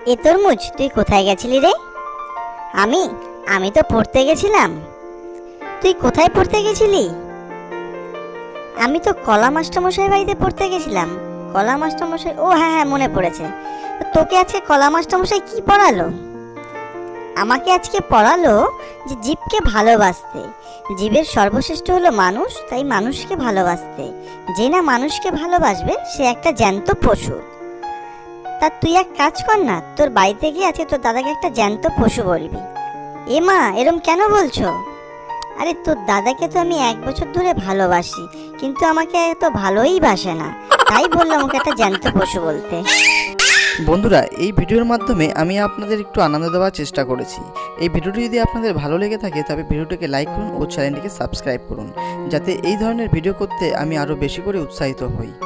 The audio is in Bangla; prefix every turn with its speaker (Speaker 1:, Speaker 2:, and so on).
Speaker 1: এ তরমুজ, তুই কোথায় গেছিলি রে? আমি আমি তো পড়তে গেছিলাম। তুই কোথায় পড়তে গেছিলি? আমি তো কলা মাস্টারমশাই বাড়িতে পড়তে গেছিলাম। কলা মাস্টারমশাই, ও হ্যাঁ হ্যাঁ, মনে পড়েছে। তো তোকে আজকে কলা মাস্টারমশাই কি পড়ালো? আমাকে আজকে পড়ালো যে জীবকে ভালোবাসতে। জীবের সর্বশ্রেষ্ঠ হলো মানুষ, তাই মানুষকে ভালোবাসতে। যে না মানুষকে ভালোবাসবে সে একটা জ্যান্ত পশু। তা তুই এক কাজ কর না, তোর বাড়িতে গিয়ে আজকে তোর দাদাকে একটা জ্যান্ত পশু বলবি। এ মা, এরম কেন বলছো? আরে তোর দাদাকে তো আমি 1 বছর ধরে ভালোবাসি, কিন্তু আমাকে এত ভালোই বাসে না, তাই বললাম ওকে একটা জ্যান্ত পশু বলতে।
Speaker 2: বন্ধুরা, এই ভিডিওর মাধ্যমে আমি আপনাদের একটু আনন্দ দেওয়ার চেষ্টা করেছি। এই ভিডিওটি যদি আপনাদের ভালো লেগে থাকে তবে ভিডিওটিকে লাইক করুন ও চ্যানেলটিকে সাবস্ক্রাইব করুন, যাতে এই ধরনের ভিডিও করতে আমি আরও বেশি করে উৎসাহিত হই।